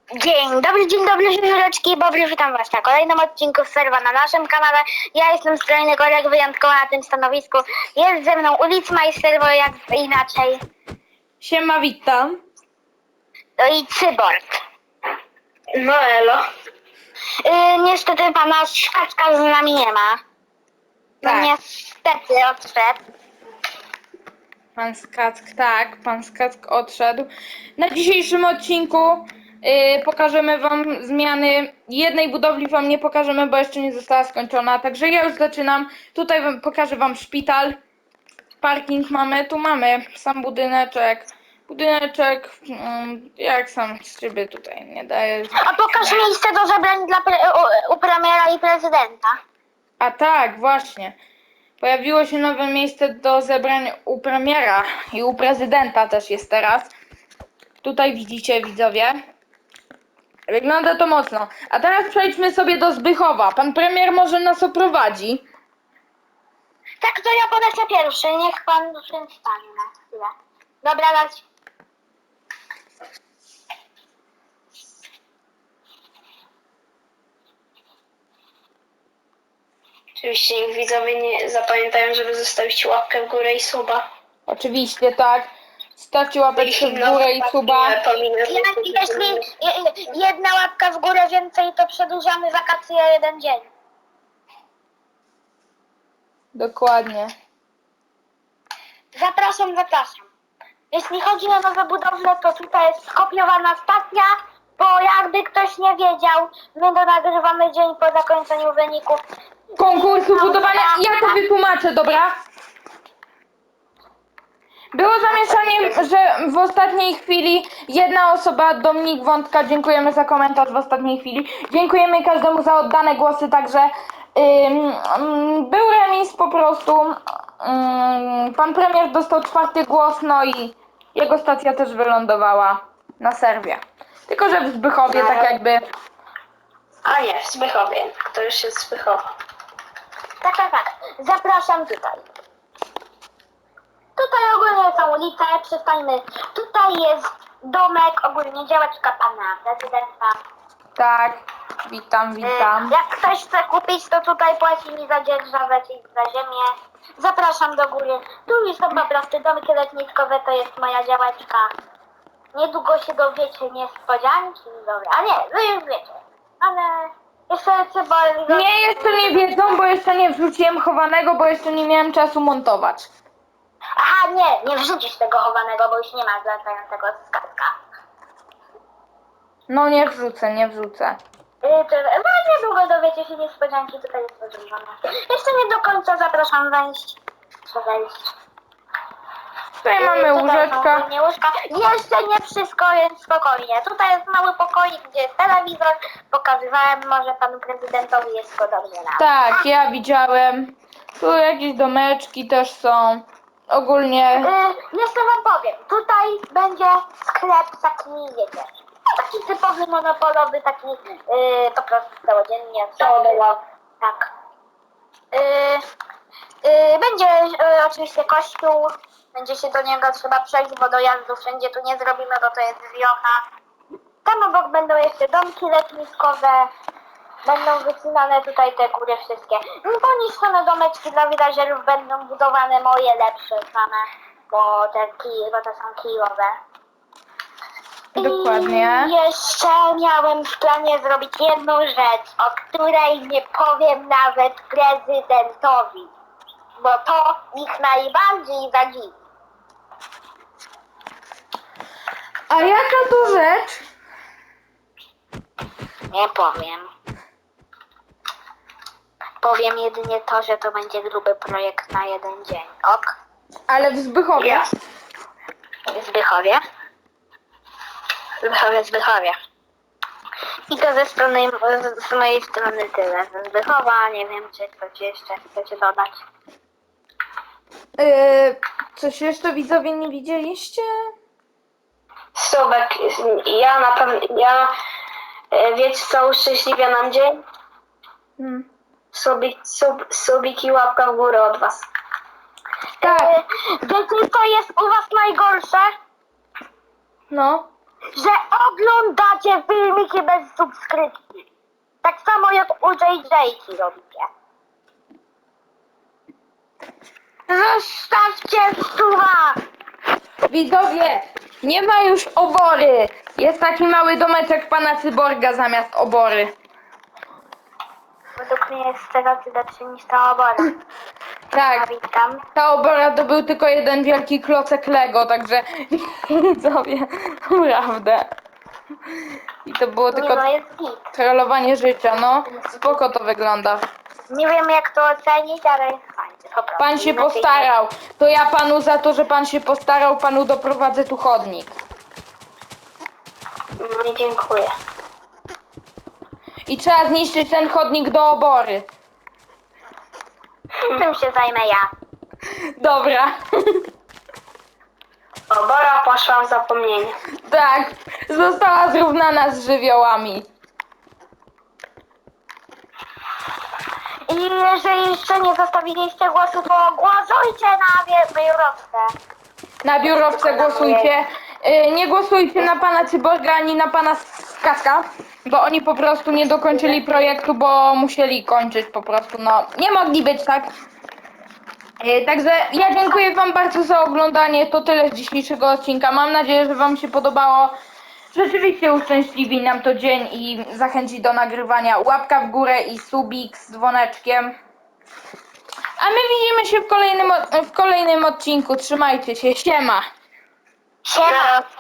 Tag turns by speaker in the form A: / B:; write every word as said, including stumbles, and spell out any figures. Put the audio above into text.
A: Dzień dobry, dzień dobry, żureczki, Bobry, witam was na kolejnym odcinku serwa na naszym kanale. Ja jestem skrajny Korek, wyjątkowo na tym stanowisku. Jest ze mną Ulicmeister, bo jak inaczej.
B: Siema, witam.
A: No i Cyborg.
B: No elo.
A: Yy, niestety pana Szkaczka z nami nie ma. No
B: Tak.
A: niestety odszedł.
B: Pan Skack, tak, pan Skack odszedł. Na dzisiejszym odcinku yy, pokażemy wam zmiany. Jednej budowli wam nie pokażemy, bo jeszcze nie została skończona. Także ja już zaczynam. Tutaj wam, pokażę wam szpital. Parking mamy, tu mamy sam budyneczek. Budyneczek, mm, jak sam z siebie tutaj nie daje.
A: A pokaż miejsce do zebrań dla pre- u, u premiera i prezydenta.
B: A tak, właśnie. Pojawiło się nowe miejsce do zebrań u premiera i u prezydenta też jest teraz. Tutaj widzicie, widzowie. Wygląda to mocno. A teraz przejdźmy sobie do Zbychowa. Pan premier może nas oprowadzi.
A: Tak, to ja polecę pierwszy, niech pan przedstawi na chwilę. Dobra, dać.
C: Oczywiście niech widzowie nie zapamiętają, żeby zostawić łapkę w górę i suba.
B: Oczywiście, tak. Stawcie łapeczkę w górę i suba.
A: Ja, jeśli je- jedna łapka w górę więcej, to przedłużamy wakacje o jeden dzień.
B: Dokładnie.
A: Zapraszam, zapraszam. Jeśli chodzi o nowe budowle, to tutaj jest skopiowana stacja, bo jakby ktoś nie wiedział, my to nagrywamy dzień po zakończeniu wyników.
B: Konkursu budowania. Ja to wytłumaczę, dobra? Było zamieszanie, że w ostatniej chwili jedna osoba, Dominik Wątka, dziękujemy za komentarz w ostatniej chwili. Dziękujemy każdemu za oddane głosy, także ym, ym, był remis po prostu. Ym, pan premier dostał czwarty głos, no i jego stacja też wylądowała na serwie. Tylko że w Zbychowie tak jakby...
C: A nie, w Zbychowie. To już jest Zbychowa.
A: Tak, tak, tak. Zapraszam tutaj. Tutaj ogólnie są ulice, przystańmy. Tutaj jest domek, ogólnie działeczka pana prezydenta.
B: Tak, witam, witam.
A: Y, Jak ktoś chce kupić, to tutaj płaci mi za dzierżawę, czyli za ziemię. Zapraszam do góry. Tu już są po prostu domki letniskowe, to jest moja działeczka. Niedługo się dowiecie niespodzianki. Dobra, a nie, wy już wiecie. Ale jeszcze Cyborg...
B: Nie, jeszcze nie wiedzą, bo jeszcze nie wrzuciłem chowanego, bo jeszcze nie miałem czasu montować.
A: Aha, nie, nie wrzucisz tego chowanego, bo już nie ma latającego skarbka.
B: No nie wrzucę, nie wrzucę.
A: Yy, czy, no niedługo dowiecie się niespodzianki, tutaj jest podróżowane. Jeszcze nie do końca zapraszam wejść. Trzeba wejść.
B: Tutaj
A: Yy,
B: mamy
A: tutaj
B: łóżeczka.
A: są ogólnie łóżka. Jeszcze nie wszystko, więc spokojnie. Tutaj jest mały pokoik, gdzie jest telewizor. Pokazywałem, może panu prezydentowi jest go dobrze na.
B: Tak, ja widziałem. Tu jakieś domeczki też są. Ogólnie.
A: Yy, jeszcze wam powiem, tutaj będzie sklep taki, wiecie, taki typowy monopolowy, taki yy, po prostu całodziennie.
C: Całodobowo.
A: Tak. Yy, yy, będzie yy, oczywiście kościół, będzie się do niego trzeba przejść, bo dojazdu wszędzie tu nie zrobimy, bo to jest wiocha. Tam obok będą jeszcze domki letniskowe. Będą wycinane tutaj te góry wszystkie. Poniszczone domeczki dla villagerów będą budowane moje lepsze same, bo te kij, bo to są kijowe.
B: Dokładnie.
A: I jeszcze miałem w planie zrobić jedną rzecz, o której nie powiem nawet prezydentowi, bo to ich najbardziej zadziwi.
B: A jaka to rzecz?
A: Nie powiem. Powiem jedynie to, że to będzie gruby projekt na jeden dzień. Ok?
B: Ale w Zbychowie.
C: Ja.
A: W Zbychowie. Zbychowie, Zbychowie. I to ze strony, z z mojej strony tyle. Ze Zbychowa, nie wiem, czy coś jeszcze chcecie dodać.
B: Yy, coś jeszcze widzowie nie widzieliście?
C: Subek, ja na pewno, ja, e, wiecie co uszczęśliwia nam dzień?
B: Hmm.
C: Subik, sub, subik i łapka w górę od was.
B: Tak,
A: Yy, wiecie, co jest u was najgorsze?
B: no.
A: że oglądacie filmiki bez subskrypcji. Tak samo jak u J J robicie. Zostawcie suba!
B: Widzowie, nie ma już obory. Jest taki mały domeczek pana Cyborga zamiast obory.
A: Według mnie jest teraz lepszy niż ta obora.
B: Tak,
A: Witam.
B: ta obora to był tylko jeden wielki klocek Lego, także widzowie, naprawdę. I to było
A: Nie
B: tylko
A: no, jest git.
B: trollowanie życia, no. Spoko to wygląda.
A: Nie wiem jak to ocenić, ale jest fajnie. Po prostu.
B: Pan się
A: Inaczej
B: postarał. To ja panu za to, że pan się postarał, panu doprowadzę tu chodnik.
C: No, dziękuję.
B: I trzeba zniszczyć ten chodnik do obory.
A: nie. Tym się zajmę ja.
B: Dobra.
C: Obora poszła w zapomnienie.
B: Tak, została zrównana z żywiołami.
A: I jeżeli jeszcze nie zostawiliście głosu, to głosujcie na wie- biurowce.
B: Na biurowce głosujcie. Y, Nie głosujcie na pana Cyborga ani na pana Skatka, bo oni po prostu nie dokończyli projektu, bo musieli kończyć po prostu, no nie mogli być, tak? Y, Także ja dziękuję wam bardzo za oglądanie, to tyle z dzisiejszego odcinka. Mam nadzieję, że wam się podobało. Rzeczywiście uszczęśliwi nam to dzień i zachęci do nagrywania. Łapka w górę i subik z dzwoneczkiem. A my widzimy się w kolejnym, od- w kolejnym odcinku. Trzymajcie się, siema!
A: Siema!